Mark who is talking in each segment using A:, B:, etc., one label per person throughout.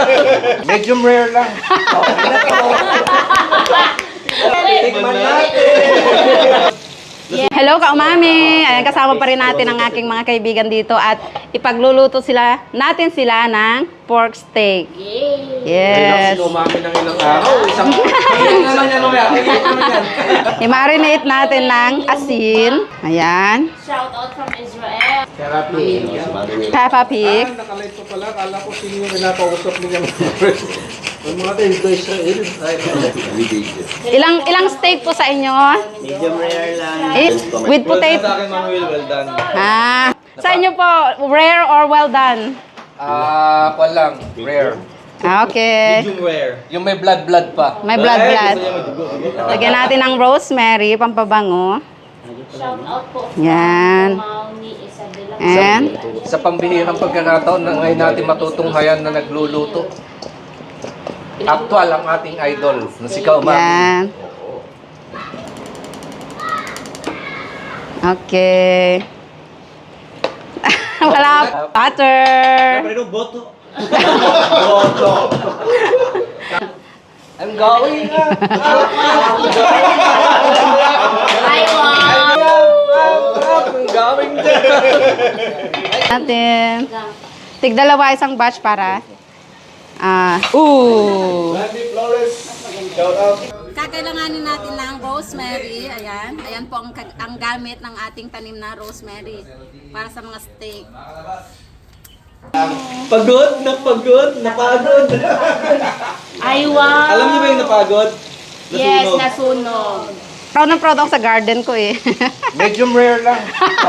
A: Medium rare lang. Tikman natin.
B: Hello, Kaumami! Ayan, kasama pa rin natin ang aking mga kaibigan dito at ipagluluto natin sila ng pork steak. Yes!
A: Relax, umami ng ilang araw. Isang naman yan,
B: I-marinate natin ng asin. Ayan.
C: Shout out from Israel.
B: Peppa Pig.
A: Nakalight pa pala. Kala ko sino yung nakausap niya. Ang mga tayo sa Israel.
B: Ilang steak po sa inyo?
D: Medium rare lang.
B: With potato.
A: Sa akin, Manuel, well done.
B: Sa inyo po, rare or well done?
A: Kwan lang. Rare.
B: Okay.
A: Medium rare. Yung may blood pa.
B: May blood. Lagyan natin ng rosemary, pampabango.
C: Shout out po.
B: Yan.
C: Mauni Isabela.
B: And,
A: Sa pambihirang pagkakataon na ngayon natin matutunghayan na nagluluto. Actual ang ating idol na si Kaumami.
B: yan. Okay. Wala. Butter.
A: I'm going na.
C: Ay, wow!
A: I'm going na.
B: Natin. Tigdalawa isang batch para. Kakailanganin natin ng rosemary. Ayan. Ayan po ang gamit ng ating tanim na rosemary para sa mga steak.
D: Pagod, napagod.
C: Ay, wow!
D: Alam niyo ba yung napagod?
C: Yes, nasunog.
B: Proud na proud ako sa garden ko eh.
A: Medium rare lang.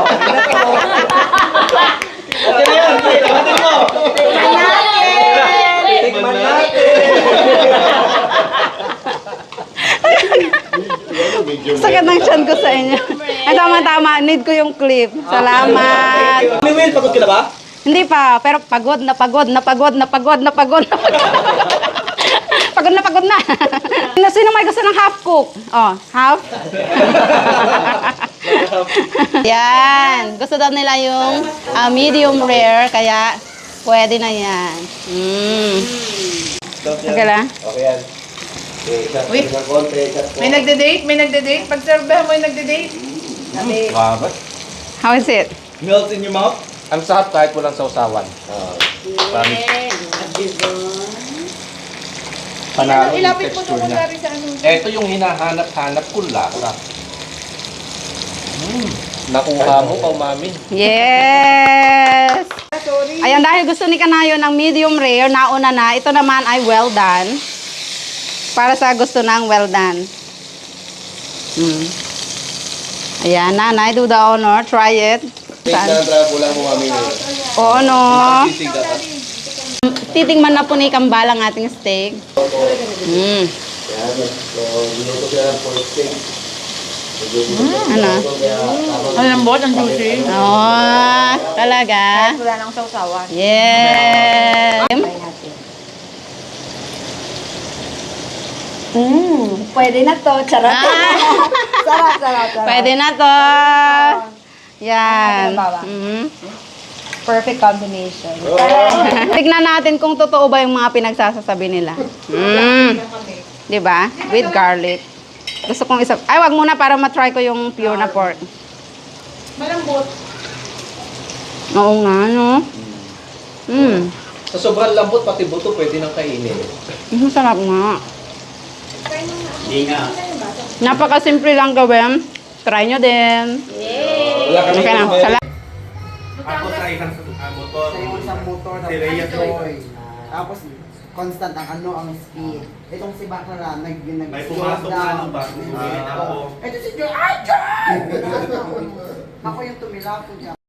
D: Okay na yun, labatin mo.
A: Tikman natin.
B: Sakit ng tiyan ko sa inyo. Ay, tama. Need ko yung clip. Salamat.
D: Will, pagod ka na ba?
B: Hindi pa, pero pagod na. Pagod na. Sino may gusto ng half cook? Oh, half? Yan. Gusto daw nila yung medium rare, kaya pwede na yan. Okay lang.
D: Okay yan.
E: Uy, may nagde-date? Pag-servehan mo yung nagde-date?
A: Wow.
B: How is it?
D: Melts in your mouth?
A: Ang sarap kahit walang sausawan. Panalo yung
E: Ilapit mo ito
A: texture
E: kung
A: niya.
E: dari sa ano.
A: Ito yung hinahanap-hanap kong lasa. Nakuha mo, Kaumami.
B: Yes!
E: Sorry.
B: Ayan, dahil gusto ni Kanayo ng medium rare, nauna na. Ito naman ay well done. Para sa gusto ng well done. Ayan, nanay, do the honor. Try it. Saan? Oo, no. Titingman na po ni Kambal ang ating steak. Ano?
E: Ang lambot, ang juicy.
B: Oh, talaga?
E: Wala nang sausawan.
B: Yeah.
E: Pwede na to. Charot. Sarap.
B: Pwede na to. Yan.
E: Perfect combination.
B: Tignan natin kung totoo ba yung mga pinagsasasabi nila. Di ba? With garlic. Gusto kong isa... Ay, wag muna para matry ko yung pure na pork.
E: Malambot.
B: Oo nga, no?
A: Sa sobrang lambot, pati buto pwede nang kainin.
B: Masarap nga.
D: Hindi nga.
B: Napakasimple lang gawin. Try nyo din.
A: Wala kami
B: Okay na. Salamat.
D: Ako sa isang motor.
F: Sa yung isang motor,
D: Si Rhea Joy.
F: tapos constant ang speed. Itong si Bakla
D: May pumasok na ano ba? Sumilit ako.
F: Ito si Joy! Ay, Joy! Ako yung tumila ko dyan.